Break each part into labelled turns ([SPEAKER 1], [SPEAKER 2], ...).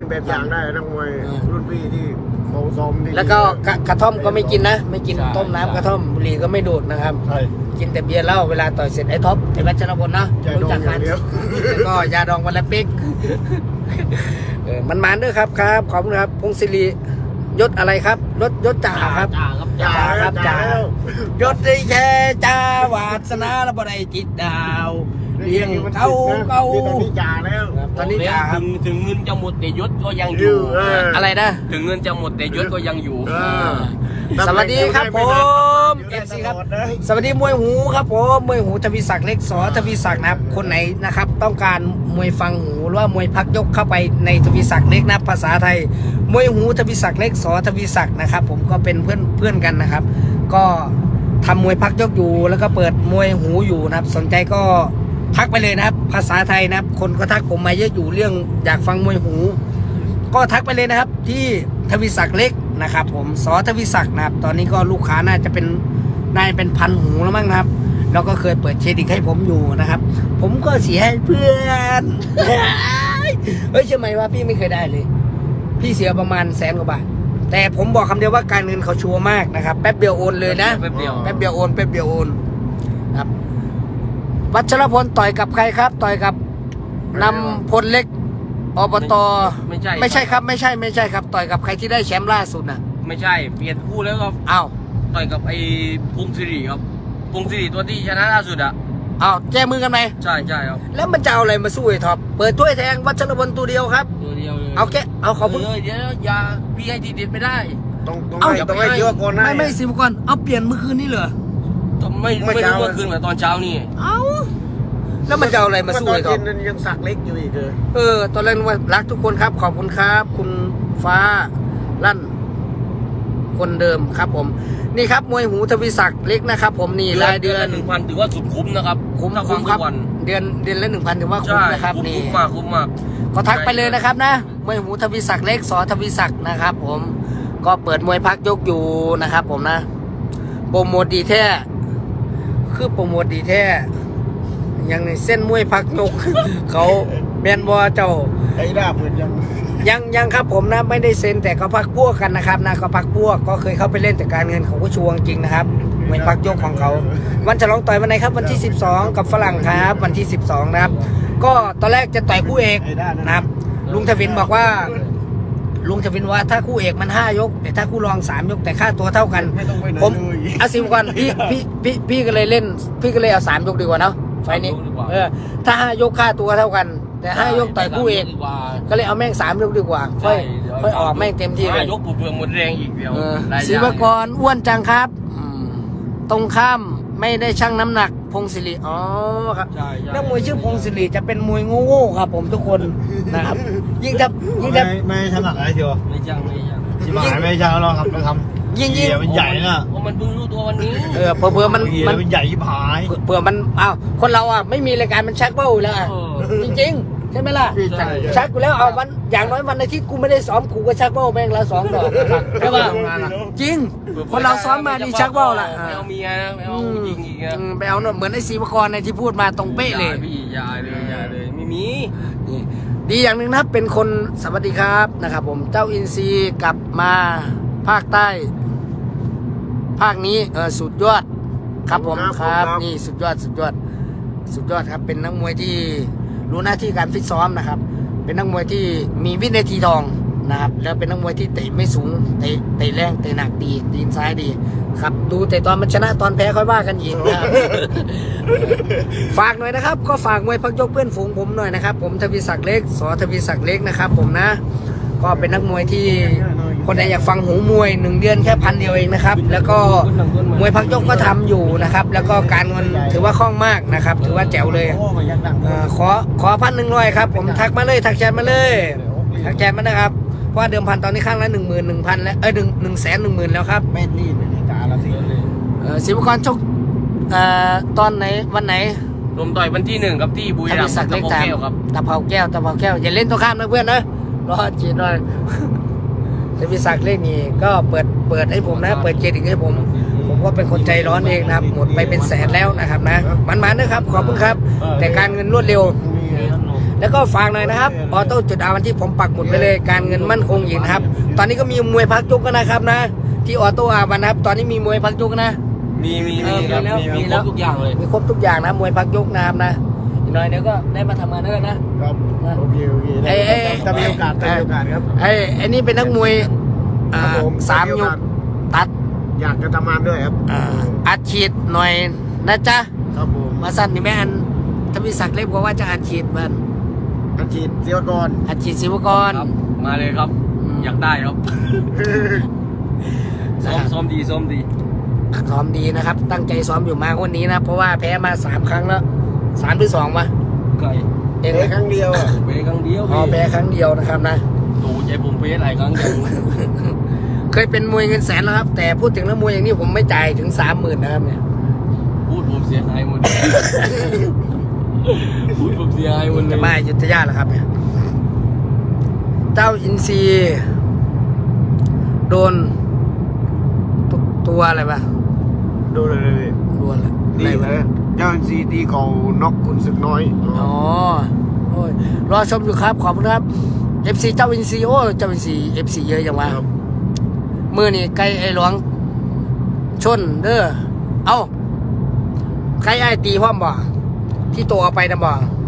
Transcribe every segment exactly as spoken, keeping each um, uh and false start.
[SPEAKER 1] แบบอย่างได้นักมวยรุ่นพี่ที่เขาซ้อมดี
[SPEAKER 2] แล้วก็กระท่อมก็ไม่กินนะไม่กินต้มน้ำกระท่อมบุหรี่ก็ไม่ดูดนะครับกินแต่เบียร์เหล้าเวลาต่อยเสร็จไอ้ท็อปไอ้วัชรพลนะรู้จักกันแล้วก็ยาดองวันละปิ๊กเออมันมันด้วยครับครับขอบคุณครับพงศิริยศอะไรครับยศยศจ่าครับจ่าครับจ่าครับจ่ายศได้แค่จ่าวาสนาและบ่ได้จิตดาวเลี้ยงเขาเขา
[SPEAKER 1] ตอนนี้จ่าแล้ว
[SPEAKER 2] ตอนนี้จ่าครับ
[SPEAKER 3] ถึงถึงเงินจะหมดแต่ยศก็ยังอยู่
[SPEAKER 2] อะไรนะ
[SPEAKER 3] ถึงเงินจะหมดแต่ยศก็ยังอยู่
[SPEAKER 2] สวัสดีครับผมเอฟซีครับสวัสดีมวยหูครับผมมวยหูทวีศักดิ์เล็กสอทวีศักดิ์นะครับคนไหนนะครับต้องการมวยฟังหูหรือว่ามวยพักยกเข้าไปในทวีศักดิ์เล็กนะภาษาไทยมวยหูทวีศักดิ์เล็กสอทวีศักดิ์นะครับผมก็เป็นเพื่อนเพื่อนกันนะครับก็ทำมวยพักยกอยู่แล้วก็เปิดมวยหูอยู่นะครับสนใจก็ทักไปเลยนะครับภาษาไทยนะครับคนก็ทักผมมาเยอะอยู่เรื่องอยากฟังมวยหูก็ทักไปเลยนะครับที่ทวีศักดิ์เล็กนะครับผมสอทวีศักดิ์นะครับตอนนี้ก็ลูกค้าน่าจะเป็นน่าจะเป็นพันหูแล้วมั้งนะครับแล้วก็เคยเปิดเครดิตให้ผมอยู่นะครับผมก็เสียให้เพื่อนเฮ้ยใช่ไหมว่าพี่ไม่เคยได้เลยพี่เสียประมาณแสนกว่าบาทแต่ผมบอกคำเดียวว่าการเงินเขาชัวร์มากนะครับแป๊บเดียวโอนเลยนะแป๊บเดียวแป๊บเดียวโอนแป๊บเดียวโอนครับวัชรพลต่อยกับใครครับต่อยกับนำพลเล็กอบต
[SPEAKER 3] ไม่ใช่
[SPEAKER 2] ไม่ใช่ครับไม่ใช่ไม่ใช่ครับต่อยกับใครที่ได้แชมป์ล่าสุดน่ะ
[SPEAKER 3] ไม่ใช่เปลี่ยนคู่แล้วครับ
[SPEAKER 2] อ้าว
[SPEAKER 3] ต่อยกับไอ้พงศิริครับพงศิริตัวที่ชนะล่าสุดอ่ะ
[SPEAKER 2] อ้าวแก้มือกันไหม
[SPEAKER 3] ใช่ใช่ครับ
[SPEAKER 2] แล้วมันจะเอาอะไรมาสู้ไอ้ท็อปเปิดถ้วยแทงวัชรพลตัวเดียวครับ
[SPEAKER 3] ตัวเดียวเลย
[SPEAKER 2] เอาแกเอาขอบคุณ
[SPEAKER 3] เดี๋ยวอย่าพี่ให้ทีเด็ดไม่ได้
[SPEAKER 1] ต้องต้องให้ต้องให้เยอะก่อนนะ
[SPEAKER 2] ไม่ไม่สิบก่อนเอาเปลี่ยนเมื่อคืนนี้เหรอ
[SPEAKER 3] ไม่ไม่รู้เมื่อคืนกับตอนเช้านี่
[SPEAKER 2] เอ้าแล้วมันจะเอาอะไรมาสู้ไอ้ท็อป
[SPEAKER 1] ยังสักเล็กอยู่อีกเลย
[SPEAKER 2] เออตอนแรกว่ารักทุกคนครับขอบคุณครับคุณฟ้าลั่นคนเดิมครับผมนี่ครับมวยหูทวีศักดิ์เล็กนะครับผมนี่รายเดือน
[SPEAKER 3] หนึ่งพันถือว่าสุดคุ้มนะครับ
[SPEAKER 2] คุ้มคุ้มครับเดือนเดือนละหนึ่งพันถือว่าคุ้มนะครับนี่
[SPEAKER 3] คุ้มมากคุ้มมาก
[SPEAKER 2] ก็ทักไปเลยนะครับนะมวยหูทวีศักดิ์เล็กสอทวีศักดิ์นะครับผมก็เปิดมวยพักยกอยู่นะครับผมนะโปรโมทดีแท้คือโปรโมทดีแท้อย่างในเส้นมวยพักยกเขาแมนบอเจ้า
[SPEAKER 1] ไอ้ด้าเปิดยัง
[SPEAKER 2] ยังยังครับผมนะไม่ได้เซ็นแต่เขาพักพวกกันนะครับนะเขาพักพวกก็เคยเข้าไปเล่นแต่การเงินเขาก็ชวงจริงนะครับมวยพักยกของเขาวันฉลองต่อยวันไหนครับวันที่สิบสองกับฝรั่งครับวันที่สิบสองนะครับก็ตอนแรกจะต่อยคู่เอกนะครับลุงทวินบอกว่าลุงทวินว่าถ้าคู่เอกมันห้ายกแต่ถ้าคู่รองสามยกแต่ค่าตัวเท่ากันผมเอาสิบก่อนพี่พี่พี่พี่ก็เลยเล่นพี่ก็เลยเอาสามยกดีกว่าเนาะไฟนี้เออถ้าห้ายกค่าตัวเท่ากันแต่ห้ายกต่อยคู่เอกก็เลยเอาแม่งสามยกดีกว่าค่อยค่อยออกแม่งเต็มที่เลย
[SPEAKER 3] ยกเปลือกหมดแรงอีกเดียว
[SPEAKER 2] ศิวกรอ้วนจังครับตรงข้ามไม่ได้ชั่งน้ำหนักพงศิริอ๋อครับนักมวยชื่อพงศิริจะเป็นมวยโง่ๆครับผมทุกคนนะครับยิ่งจะยิ่งจะ
[SPEAKER 1] ไม่ชั่งน้ำหนักอะไรเชียว
[SPEAKER 3] ไม่ชั่งไม่ชั่ง
[SPEAKER 1] ชิบหายไม่ชั่งเราครับเราทำ
[SPEAKER 2] ยิ่งยิ่ง
[SPEAKER 1] มันใหญ่น่ะ
[SPEAKER 3] เพราะมันเพิ่งรู้ตัววันนี้
[SPEAKER 2] เออเผื่อเผื่อมัน
[SPEAKER 1] มันใหญ่ชิบหาย
[SPEAKER 2] เผื่อมันอ้าวคนเราอ่ะไม่มีรายการมันชักเบ้าแล้วจริงๆใช่ไหมล่ะชักกูแล้วเอาวันอย่างน้อยวันในที่กูไม่ได้ซ้อมกูก็ชักเบ้าแม่งละสองดอกใช่ป่ะจริงคนเราซ้อมมาดีชักเบ้าละ
[SPEAKER 3] ไม่เอาเมียนะไม่เอาจริงอีกนะ
[SPEAKER 2] ไปเอาเหมือนไอ้ศิวกรในที่พูดมาตรงเป๊ะเลย
[SPEAKER 3] พี่ยาเลยยาเลยไม่มี
[SPEAKER 2] ดีอย่างหนึ่งนะเป็นคนสวัสดีครับนะครับผมเจ้าอินซีกลับมาภาคใต้ภาคนี้เออสุดยอดครับผมครับนี่สุดยอดสุดยอดสุดยอดครับเป็นนักมวยที่รู้หน้าที่การฟิตซ้อมนะครับเป็นนักมวยที่มีวินัยทีทองนะครับแล้วเป็นนักมวยที่เตะไม่สูงเตะเตะแรงเตะหนักดีตีนซ้ายดีครับดูแต่ตอนมันชนะตอนแพ้ค่อยว่ากันอีกนะครับ ฝากหน่อยนะครับก็ฝากมวยพักยกเพื่อนฝูงผมหน่อยนะครับผมทวีศักดิ์เล็กสอทวีศักดิ์เล็กนะครับผมนะก็เป็นนักมวยที่คนใดอยากฟังหูมวยหนึ่งเดือนแค่พันเดียวเองนะครับแล้วก็มวยพักยกก็ทำอยู่นะครับแล้วก็การเงินถือว่าคล่องมากนะครับถือว่าแจ๋วเลยขอขอพันหนึ่งร้อยครับผมทักมาเลยทักแชทมาเลยทักแชทมานะครับเพราะเดิมพันตอนนี้ข้างละหนึ่งหมื่นหนึ่งพันแล้วเอ้ยหนึ่งหนึ่งแสนหนึ่งหมื่นแล้วครับ
[SPEAKER 1] ไม่รีบไม่รีบจ่าละสิ
[SPEAKER 2] ศิวกรชกตอนไหนวันไหน
[SPEAKER 3] ลมต่อยวันที่หนึ่งกับที่บุรีรัมย์ตะเภาแก้วครับ
[SPEAKER 2] ตะเภาแก้วตะเภาแก้วอย่าเล่นตัวข้ามนะเพื่อนนะรอจีนหน่อยทวีศักดิ์เล็กนี่ก็เปิดเปิดให้ผมนะเปิดเครดิตให้ผมผมก็เป็นคนใจร้อนเองนะครับหมดไปเป็นแสนแล้วนะครับนะมันๆนะครับขอบคุณครับแต่การเงินรวดเร็วแล้วก็ฝากหน่อยนะครับออโต้จุดอาวันที่ผมปักหมุดไปเลยการเงินมั่นคงหญิงนะครับตอนนี้ก็มีมวยพักยกกันนะครับนะที่ออโต้อาวันนะครับตอนนี้มีมวยพักยกนะ
[SPEAKER 3] มีมี
[SPEAKER 2] เอ
[SPEAKER 3] มี
[SPEAKER 2] อ
[SPEAKER 3] ครับ
[SPEAKER 2] มีแล้ว
[SPEAKER 3] มี
[SPEAKER 2] มี
[SPEAKER 3] มีค
[SPEAKER 2] แล้
[SPEAKER 3] ร
[SPEAKER 2] ว
[SPEAKER 3] บทุกอย่างเลย
[SPEAKER 2] มีครบทุกอย่างนะมวยพักยกนะครับนะอีกหน่อยเดี๋ยวก็ได้มาทำงานด้วยนะครับ
[SPEAKER 1] โอเคโอเค
[SPEAKER 2] ไอ้ไอ้
[SPEAKER 1] ถ้ามีโอกาสถ้ามีโอกาสครับ
[SPEAKER 2] ไอ้ไอ้นี่เป็นนักมวยอ่า
[SPEAKER 1] ครับผม
[SPEAKER 2] สามยกตัด
[SPEAKER 1] อยากจะทำงานด้วยครับ
[SPEAKER 2] อ่าอัดฉีดหน่อยนะจ๊ะ
[SPEAKER 1] ครับผม
[SPEAKER 2] มาสั้นนี่แม่อันถ้ามีศักดิ์เล็บบอกว่าจะอัดฉีดมัน
[SPEAKER 1] อาชีพเสียวกร
[SPEAKER 2] อัดฉีดศิวกร
[SPEAKER 3] ครับมาเลยครับ อยากได้ครับซ้อมซ้อมดีซ้อมดี
[SPEAKER 2] ซ้อมดีนะครับ ตั้งใจซ้อมอยู่มาวันนี้นะ เพราะว่าแพ้มาสามครั้งแล้วสามหรือสองวะ
[SPEAKER 3] ไก่
[SPEAKER 2] เอง
[SPEAKER 1] เอ้ครั้งเดียวอ่ะ
[SPEAKER 3] เป๊ครั้งเดียว
[SPEAKER 2] อ๋อแพ้ครั้งเดียวนะครับนะ
[SPEAKER 3] ดูใจผมเป๊หลายครั้งจัง
[SPEAKER 2] เคยเป็นมวยเงินแสนแล้วครับ แต่พูดถึงแล้วมวยอย่างนี้ผมไม่จ่ายถึงสามหมื่นนะครับเนี่ย
[SPEAKER 3] พูดผมเสียหายหมดพูดผมเสียหายหมดเล
[SPEAKER 2] จะ
[SPEAKER 3] ย
[SPEAKER 2] มาอยุทธยาแล้วครับเนี่ยเจ้าอินซีย์โดนตัวตัวอะไรปะ
[SPEAKER 1] ดูเลยเลย
[SPEAKER 2] โดนอะไร
[SPEAKER 1] ดี
[SPEAKER 2] อะไร
[SPEAKER 1] เล
[SPEAKER 2] วะ
[SPEAKER 1] ยเจ้าซีตีเขาน็อกคุณศึกน้อย
[SPEAKER 2] อ๋อโอ้ยรอชมอยู่ครับขอบคุณครับ เอฟ ซี เจ้าอินซีย์โอ้ยเจ้าอินซีย์ เอฟ ซี เยอะอย่างวะ
[SPEAKER 1] ครับ
[SPEAKER 2] มือนี่ไก่ไอ้หลวงชนเด้อเอ้าไก่ไอ้ตีพร้อมบ่ที่ตัวเอาไปนะบ่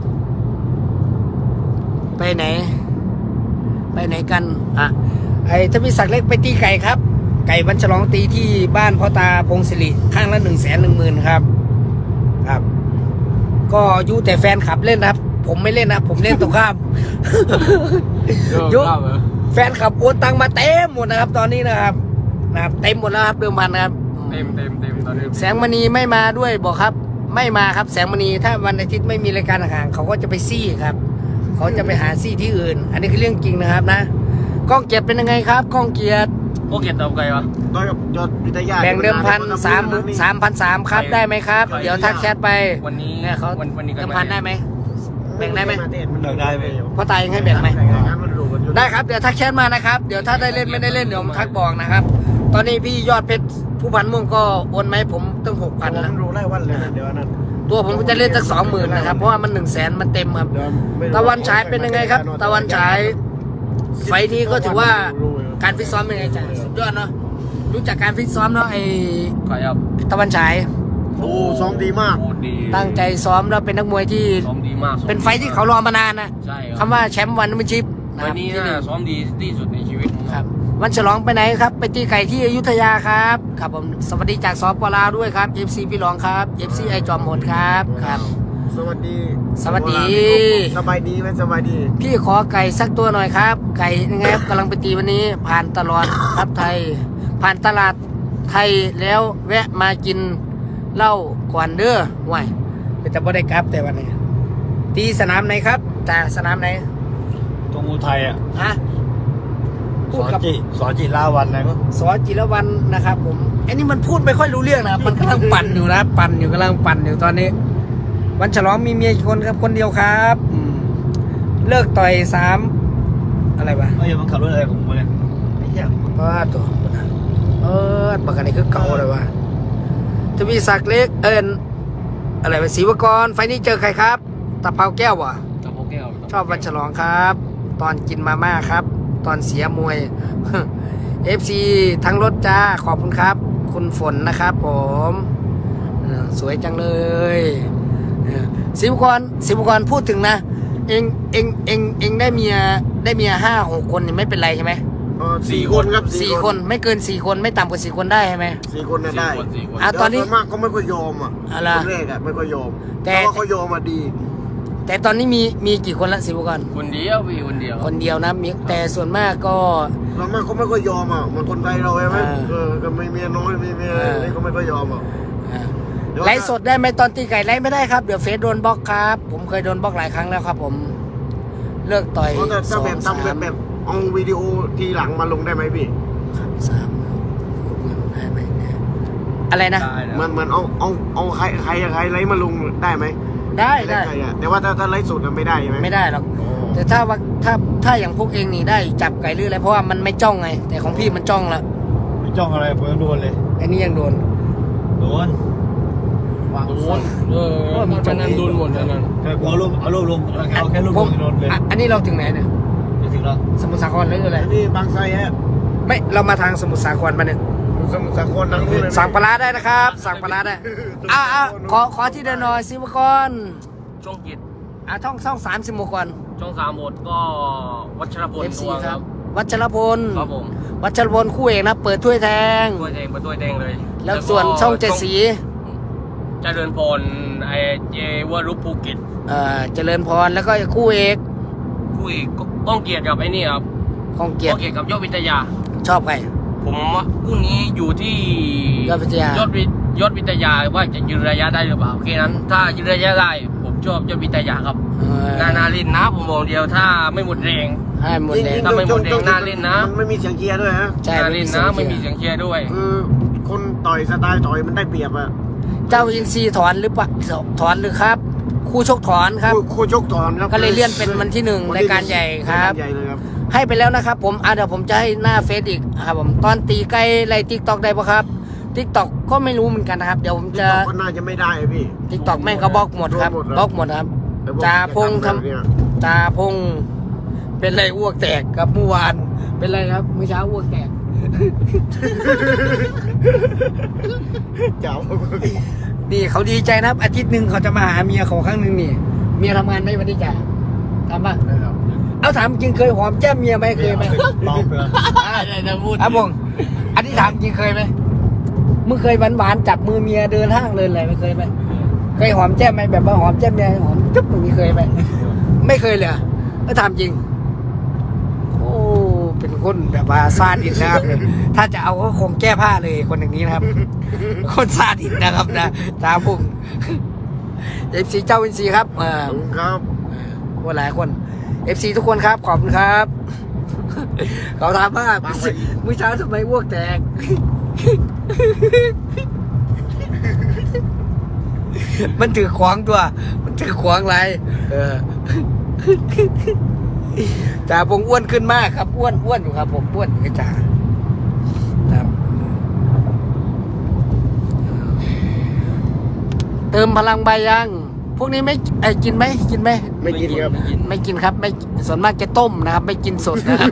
[SPEAKER 2] ไปไหน ไปไหนกันอ่ะไอ้ถ้ามีศักดิ์เล็กไปตีไก่ครับ ไก่วันฉลองตีที่บ้านพ่อตาพงศิริข้างละหนึ่งแสนหนึ่งหมื่นครับ ครับ ก็อยูแต่แฟนขับเล่นนะครับ ผมไม่เล่นนะผมเล่นตรงข้าม ยุ
[SPEAKER 3] ครับเหรอ
[SPEAKER 2] แฟนขับโอนตังมาเต็มหมดนะครับ ตอนนี้นะครับนะครับเต็มหมดแล้วครับเดิมพันนะครับ
[SPEAKER 3] เต็มเต็มเต็มตอนนี้
[SPEAKER 2] แสงมณีไม่มาด้วยบอกครับ ไม่มาครับแสงมณีถ้าวันอาทิตย์ไม่มีรายการห่างๆเขาก็จะไปซี่ครับ เขาจะไปหาซี่ที่อื่น อันนี้คือเรื่องจริงนะครับนะกล้องเกียรติเป็นยังไงครับกล้องเกียรติ
[SPEAKER 3] โอเคตอบไก่วะ
[SPEAKER 1] ต้อยกับยอดวิทยา
[SPEAKER 2] แบ่งเดิมพันสามสามพันสามครับได้ไหมครับ เดี๋ยวทักแชทไป
[SPEAKER 3] วันนี้
[SPEAKER 2] เนี่ยเขา
[SPEAKER 3] วันวันนี้ก็
[SPEAKER 2] เดิมพันได้ไหม แบ่งได้ไหม
[SPEAKER 1] ได้ไหม
[SPEAKER 2] พ่อตายังให้แบ่งไหม
[SPEAKER 1] มันรู้กันอยู่
[SPEAKER 2] ได้ครับเดี๋ยวทักแชทมานะครับเดี๋ยวถ้าได้เล่นไม่ได้เล่นเดี๋ยวผมทักบอกนะครับ ตอนนี้พี่ยอดเพชรผู้พันม่วงก็โอนไหมาให้ผมตั้งหกพัน
[SPEAKER 1] มั
[SPEAKER 2] นะ
[SPEAKER 1] นรู้ไล่วันเลยนะเดี๋ยวนั้น
[SPEAKER 2] ตัวผมก็จะเล่นสักสองหมื่นนะครับเพราะว่ามันหนึ่งแสนมันเต็มครับ
[SPEAKER 1] เดี๋ยวไม่รู้
[SPEAKER 2] ตะวันฉายเป็นยังไงครับ ตะวันฉายไฟล์นี้ก็ถือว่าการฟิตซ้อมเป็นไงจ๊ะสุดยอดเนาะรู้จักการฟิตซ้อมเนาะไอ้
[SPEAKER 3] ไก่ครับ
[SPEAKER 2] ตะวันฉาย
[SPEAKER 1] โอ้ซ้อมดีมาก
[SPEAKER 3] โอ้ดี
[SPEAKER 2] ตั้งใจซ้อมแล้วเป็นนักมวยที่
[SPEAKER 3] ซ้อมดีมากซ้อม
[SPEAKER 2] เป็นไฟล์ที่เขารอมานานนะ
[SPEAKER 3] ใช่ค
[SPEAKER 2] คำ
[SPEAKER 3] รับ
[SPEAKER 2] ว่าแชมป์วันไม่ชิปนะค
[SPEAKER 3] วั
[SPEAKER 2] รั
[SPEAKER 3] น
[SPEAKER 2] บ
[SPEAKER 3] นี้
[SPEAKER 2] ที่ห
[SPEAKER 3] น่า
[SPEAKER 2] นึ่ง
[SPEAKER 3] ซ้อมดีที่สุดในชีวิตผม
[SPEAKER 2] ครับวันฉลองไปไหนครับ ไปตีไก่ที่อยุธยาครับครับผมสวัสดีจากสปลาวด้วยครับ เอฟ ซี พี่รองครับ เอฟ ซี ไอจอมโหดครับครับ
[SPEAKER 1] สวัสดี
[SPEAKER 2] สวัสดี
[SPEAKER 1] สบายดีไหมสบายดี
[SPEAKER 2] พี่ขอไก่สักตัวหน่อยครับ ไก่ยังไงครับกำลังไปตีวันนี้ ผ่านตลอดครับไทย ผ่านตลาดไทยแล้วแวะมากินเหล้าก่อนเด้อว้ายเป็นแต่บ่ได้กลับแต่วันนี้ตีสนามไหนครับแต่สนามไหน
[SPEAKER 4] ตรงอุทัยอ่ะ
[SPEAKER 2] ฮะ
[SPEAKER 4] ส
[SPEAKER 2] พูด
[SPEAKER 4] อน
[SPEAKER 2] กับ
[SPEAKER 4] จิสอนจิลาวันอะไรก็
[SPEAKER 2] สอจิรวันนะครับผมอันนี้มันพูดไม่ค่อยรู้เรื่องนะครับมันกำลังปั่นอยู่นะปั่นอยู่กำลังปั่นอยู่ตอนนี้ วันฉลองมีเมียกี่คนครับคนเดียวครับอืมเลิกต่อยสามอะไรวะ
[SPEAKER 4] เอ้ยมันขับรถอะไรของมึงเนี่ยไอ้เหี้ย
[SPEAKER 2] ว่าตัวเออปากกันนี่คือเก่าเลยวะจะมีศักดิ์เล็กเอิญอะไรวะศรีวกรไฟนี้เจอใครครับตะเภาแก้ววะ
[SPEAKER 3] กับโอแก้ว
[SPEAKER 2] ชอบวันฉลองครับ ตอนกินมาม่าครับ ตอนเสียมวย เอฟซีทั้งรถจ้าขอบคุณครับ คุณฝนนะครับผมเออสวยจังเลยเออศิวกรศิวกรพูดถึงนะ เองเองเองเองได้เมียได้เมียห้าหกคนนี่ไม่เป็นไรใช่ไหม
[SPEAKER 1] เออสี่คนครับ
[SPEAKER 2] สี่คนไม่เกินสี่คนไม่ต่ำกว่าสี่คนได้ใช่ไหม
[SPEAKER 1] สี่คนน่ะได้
[SPEAKER 3] สี่คน
[SPEAKER 2] อ่ะตอนนี้
[SPEAKER 1] ส่วมากก็ไม่ค่อยยอมอ่ะ
[SPEAKER 2] อะไร
[SPEAKER 1] คนแรกอ่ะไม่ค่อยยอม
[SPEAKER 2] แต่
[SPEAKER 1] แต่ว่าเขายอมมาดี
[SPEAKER 2] แต่ตอนนี้มีมีกี่คนละศิวกร
[SPEAKER 3] คนเดียวพี่คนเดียว
[SPEAKER 2] คนเดียวนะมีแต่ส่วนมากก็
[SPEAKER 1] ส่วนมากเขาไม่ค่อยยอมอ่ะเหมือนคนไทยเราใช่ไหม
[SPEAKER 2] อ่า
[SPEAKER 1] เออก็ไม่เมียน้อยไม่เมียอะไร
[SPEAKER 2] อ่า
[SPEAKER 1] นี่ก็ไม่ค่อยยอมอ่ะ
[SPEAKER 2] อ่า
[SPEAKER 1] เดี๋ยว
[SPEAKER 2] ไลฟ์สดได้ไหมตอนตีไก่ไลฟ์ไม่ได้ครับเดี๋ยวเฟซโดนบล็อกครับ ผมเคยโดนบล็อกหลายครั้งแล้วครับผมเลิกต่อย
[SPEAKER 1] เพราะแต่
[SPEAKER 2] ส
[SPEAKER 1] ถ้า
[SPEAKER 2] อง
[SPEAKER 1] แบบ
[SPEAKER 2] สา
[SPEAKER 1] ทำแบบ
[SPEAKER 2] ม
[SPEAKER 1] แบบเอาวิดีโอทีหลังมาลงได้ไหมพี่
[SPEAKER 2] สามได้ไหมเนี่ยอะไรนะ
[SPEAKER 3] ได้นะ
[SPEAKER 1] มันมันเอาเอาเอาใครใครใครไลฟ์มาลงได้ไหม
[SPEAKER 2] ได้ได้
[SPEAKER 1] ใครอะแต่ว่าถ้าถ้าไลฟ์สดอะไม่ได้ใช่ไหม
[SPEAKER 2] ไม่ได้หรอก
[SPEAKER 1] อ๋อ
[SPEAKER 2] แต่ถ้าว่าถ้าถ้าอย่างพวกเองนี่ได้จับไก่หรืออะไรเพราะว่ามันไม่จ้องไง แต่ของพี่มันจ้องละ
[SPEAKER 4] ไม่จ้องอะไรผมยังโดนเลย
[SPEAKER 2] อันนี้ยังโดน
[SPEAKER 4] โดน
[SPEAKER 1] อวาง
[SPEAKER 3] โดนเออมันจะนั้นโดนหมดอันนั้น
[SPEAKER 4] แต่กูเอารูปเอารูปลงเอาแค่รูป
[SPEAKER 2] ผ
[SPEAKER 4] ล
[SPEAKER 2] ม
[SPEAKER 4] งถนนเลย
[SPEAKER 2] อ่ะอันนี้เราถึงไหนเนี่ย
[SPEAKER 4] จะถึงแล้ว
[SPEAKER 2] สมุทรสาครหรืออะไร
[SPEAKER 1] อันนี้บางไทรฮะ
[SPEAKER 2] ไม่เรามาทางสมุทรสาครมาเนี่ย
[SPEAKER 1] สมุทรสาครนั่งนู่นเลย
[SPEAKER 2] สั่งปลาร้าได้นะครับ สั่งปลาร้าได้อ่ะอ่ะขอขอที่เดินหน่อยซิวกร
[SPEAKER 3] ช่องกิจ
[SPEAKER 2] อ่ะช่องช่องสามสิบโมก่อน
[SPEAKER 3] ช่องสามหมดก็วัชรพล
[SPEAKER 2] เอฟซี
[SPEAKER 3] ตัว
[SPEAKER 2] ค
[SPEAKER 3] ค
[SPEAKER 2] รั
[SPEAKER 3] รั
[SPEAKER 2] บบ วัชรพล
[SPEAKER 3] ครับผม
[SPEAKER 2] วัชรพลคู่เอกนะ เปิดถ้วยแทง
[SPEAKER 3] ตัวแดงเป็นตัวแดงเลย
[SPEAKER 2] แล้วส่วนช่องเจ็ดสี
[SPEAKER 3] เจริญพรไอเจวรุภูเก็ต
[SPEAKER 2] เอ่อเจริญพรแล้วก็คู่เอก
[SPEAKER 3] คู่อีกก้องเกียรติกับไอ้นี่ครับ
[SPEAKER 2] ของเกียร
[SPEAKER 3] ก้
[SPEAKER 2] ติ
[SPEAKER 3] องเกียรติกับยอดวิทยา
[SPEAKER 2] ชอบใคร
[SPEAKER 3] ผมว่าคู่นี้อยู่ที่
[SPEAKER 2] ยอดวิทยาย
[SPEAKER 3] อดวิยอดวิทยาว่าจะยืนระยะได้หรือเปล่าแค่นั้น ถ้ายืนระยะได้ผมชอบยอดวิทยาครับ
[SPEAKER 2] เออ
[SPEAKER 3] นานาลินนะผมบอกเดียวถ้าไม่หมดแรง
[SPEAKER 2] ให้หมดเลย
[SPEAKER 3] ถ้าไม่หมดแดงน่าเล่นนะ
[SPEAKER 1] มันไม่มีเสียงเชียร์ด้วยฮะ
[SPEAKER 2] ใช่
[SPEAKER 3] นาลินนะไม่มีเสียงเชียร์ด้วย
[SPEAKER 1] คือคนต่อยสไตล์ต่อยมันได้เปรียบอะ
[SPEAKER 2] เจ้าอินซีถอนหรือเปล่าถอนหรือครับ คู่ชกถอนครับ
[SPEAKER 1] คู่คู่ชกถอนครับ
[SPEAKER 2] ก็เลยเลื่อนเป็นวันที่หนึ่งรายการใหญ่ครับ
[SPEAKER 1] ายการใหญ่เลยครับ
[SPEAKER 2] ให้ไปแล้วนะครับผมอ่ะเดี๋ยวผมจะให้หน้าเฟซอีกครับผมตอนตีใกล้ไล่ทิกตอกได้ปะครับทิกตอกก็ไม่รู้เหมือนกันนะครับ เดี๋ยวผมจะ
[SPEAKER 1] ก็น่าจะไม่ได้อะพี่
[SPEAKER 2] ทิกตอกแม่งก็บล็อกหมดครับ
[SPEAKER 1] บล็อกหมด
[SPEAKER 2] บล็อกหมดครับ
[SPEAKER 1] แต่ผม
[SPEAKER 2] จ่าพงษ์ท
[SPEAKER 1] แบบเนี้ย
[SPEAKER 2] ำจ่าพงษ์เป็นไรอ้วกแตกครับเมื่อวานเป็นไรครับเมื่อเช้าอ้วกแตก
[SPEAKER 1] จ่า
[SPEAKER 2] นี่เขาดีใจนะครับ อาทิตย์หนึ่งเขาจะมาหาเมียเขาครั้งหนึ่งนี่เมียทำงานไหมวันนี้จ่าทำป่ะ
[SPEAKER 1] นะครับ
[SPEAKER 2] เอาถามจริงเคยหอมแก้มเมียไหมเคยไหม
[SPEAKER 4] ลองไปแล้ว
[SPEAKER 3] อะไรนะพูด
[SPEAKER 2] ครับผมอันนี้ถามจริงเคยไหมมึงเคยหวานๆจับมือเมียเดินห้างเดินอะไรไม่เคยไหมเคยหอมแก้มไหมแบบว่าหอมแก้มเมียหอมจุ๊บอย่างนี้เคยไหมไม่เคยเลยเหรอก็ถามจริงโอ้เป็นคนแบบว่าซาดิสนะครับถ้าจะเอาก็คงแก้ผ้าเลยคนอย่างนี้นะครับ คนซาดิสนะครับนะจ้าพุ่งเอฟซีเจ้าเอฟซีครับเออ
[SPEAKER 1] ขอบคุณครับ
[SPEAKER 2] คนหลายคนเอฟซีทุกคนครับขอบคุณครับ เขาถามว่ามื้อเช้าทำไมอ้วกแตก มันถือขวางตัว มันถือขวางอะไรเออ จ่าผมอ้วนขึ้นมากครับอ้วนอ้วนอยู่ครับผมอ้วนกับจ่าครับ เติมพลังใบยัง พวกนี้ไม่ไอ้กินไหมกินไหม
[SPEAKER 1] ไม่กินครับ
[SPEAKER 2] ไม่กินครับไม่ส่วนมากจะต้มนะครับ ไม่กินสดนะครับ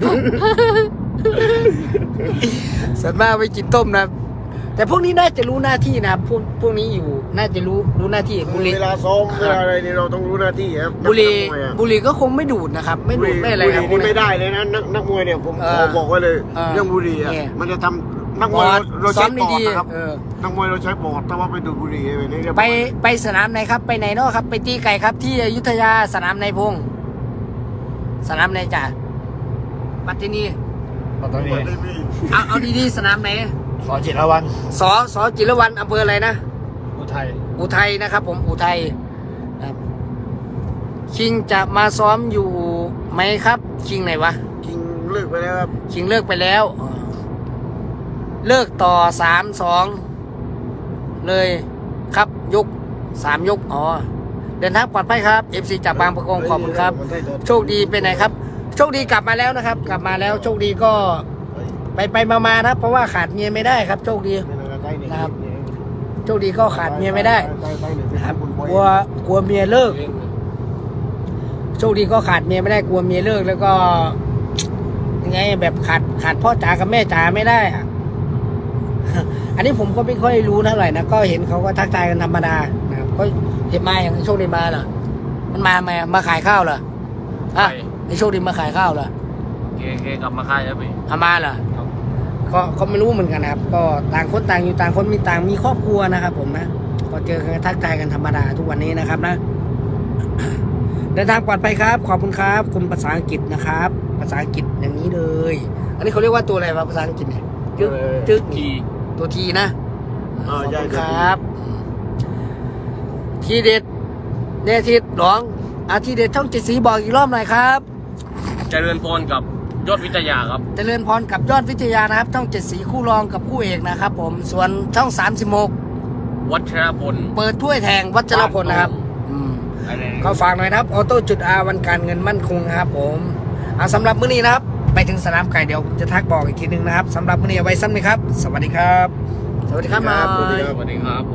[SPEAKER 2] ส่วนมากไม่กินต้มนะครับแต่พวกนี้น่าจะรู้หน้าที่นะครับพวกพวกนี้อยู่น่าจะรู้รู้หน้าที่บุหรี่
[SPEAKER 1] เวลาซ้อมเวลาอะไรนี่เราต้องรู้หน้าที่ครับ
[SPEAKER 2] บุหรี่
[SPEAKER 1] นักมวยอะ
[SPEAKER 2] บุหรี่ก็คงไม่ดูดนะครับ ไม่ดูดไม่อะไรครับ
[SPEAKER 1] บุหนี่ไม่ได้เลยนะนักนักมวยเนี่ยผม
[SPEAKER 2] เอ
[SPEAKER 1] ข
[SPEAKER 2] อ
[SPEAKER 1] อบอกไว้เลย
[SPEAKER 2] เออ
[SPEAKER 1] เรื่องบุหรี่อ่ะ
[SPEAKER 2] เนี่ย
[SPEAKER 1] มันจะทำนักม
[SPEAKER 2] ป
[SPEAKER 1] วย
[SPEAKER 2] อด
[SPEAKER 1] เรา
[SPEAKER 2] ซ้อ
[SPEAKER 1] ใช้
[SPEAKER 2] ม
[SPEAKER 1] ปอด
[SPEAKER 2] ดี
[SPEAKER 1] นะครับ
[SPEAKER 2] ๆเออ
[SPEAKER 1] นักมวยเราใช้ปอดถ้าว่าไปดูดบุหรี่แบบนี้เรียบร้อย
[SPEAKER 2] ไปไปสนามไหนครับ ไปไหนเนาะครับ ไปตีไก่ครับ ที่อยุธยาสนามในพงสนามไหนจ่าปัตตินี
[SPEAKER 4] ตอนนี้
[SPEAKER 2] เอาเอาดีๆสนามไหน
[SPEAKER 4] ขอจิตรวัน
[SPEAKER 2] สอสอจิรวันอำเภออะไรนะ
[SPEAKER 4] อุทัย
[SPEAKER 2] อุทัยนะครับ ผมอุทัยครับคิงจะมาซ้อมอยู่ไหมครับ คิงไหนวะ
[SPEAKER 1] คิงเลิกไปแล้วครับ
[SPEAKER 2] คิงเลิกไปแล้ว เลิกต่อสามสองเลยครับยกสามยกอ๋อเดินทางปลอดภัยครับเอฟซีจากบางประกงขอบคุณครับ โชคดีไปไหนครับ โชคดีกลับมาแล้วนะครับ กลับมาแล้วโชคดีก็ไปไปมามานะเพราะว่าขาดเมียไม่ได้ครับ โชคดี นะครับ โชคดีก็ขาดเมียไม่ได้นะครับกลัวกลัวเมียเลิก โชคดีก็ขาดเมียไม่ได้กลัวเมียเลิกแล้วก็ยังไงแบบขาดขาดพ่อจ๋ากับแม่จ๋าไม่ได้อะ อันนี้ผมก็ไม่ค่อยรู้เท่าไหร่นะก็เห็นเขาก็ทักทายกันธรรมดานะครับก็เห็นมาอย่างโชคดีมาเหรอมันมาไหมมาขายข้าวเหรออ่ะไอโชคดีมาขายข้าวเหรอ
[SPEAKER 3] เกเกกลับมาค่ายแล้วพี่
[SPEAKER 2] เอามาเหรอก็ก็ไม่รู้เหมือนกันนะครับ ก็ต่างคนต่างอยู่ต่างคนมีต่างมีครอบครัวนะครับ ผมนะก็เจอกันทักทายกันธรรมดาทุกวันนี้นะครับนะ เดินทางปลอดภัยครับ ขอบคุณครับ คุณภาษาอังกฤษนะครับ ภาษาอังกฤษอย่างนี้เลย อันนี้เขาเรียกว่าตัวอะไรวะภาษาอังกฤษเนี่ยจึ๊กจึ๊ก
[SPEAKER 3] ที
[SPEAKER 2] ตัวทีนะ
[SPEAKER 1] เอ
[SPEAKER 2] ขอบ
[SPEAKER 1] อใช่
[SPEAKER 2] คุณ
[SPEAKER 1] ค
[SPEAKER 2] ค
[SPEAKER 1] รั
[SPEAKER 2] รับ บ ทีเด็ดเดทิดหลองอาทีเด็ดช่องเจ็ดสีบอกอีกรอบหน่อยครับ
[SPEAKER 3] เจริญพรกับยอดวิทยาครับ
[SPEAKER 2] เจริญพรกับยอดวิทยานะครับ ช่องเจ็ดสีคู่รองกับคู่เอกนะครับ ผมส่วนช่องสามสิบหก
[SPEAKER 3] วัชรพล
[SPEAKER 2] เปิดถ้วยแทงวัชรพลนะครับอืม
[SPEAKER 3] อะไร
[SPEAKER 2] ก็ฝากหน่อยนะครับออโต้จุดอาวันการเงินมั่นคงครับผมเอาสำหรับมื้อนี้นะครับ ไปถึงสนามไก่เดี๋ยวจะทักบอกอีกทีนึงนะครับสำหรับมื้อนี้เอาไว้สั้นไหมครับ สวัสดีครับ สวัสดีครับมา
[SPEAKER 1] สวัสดีครับ
[SPEAKER 3] สวัสดีครับ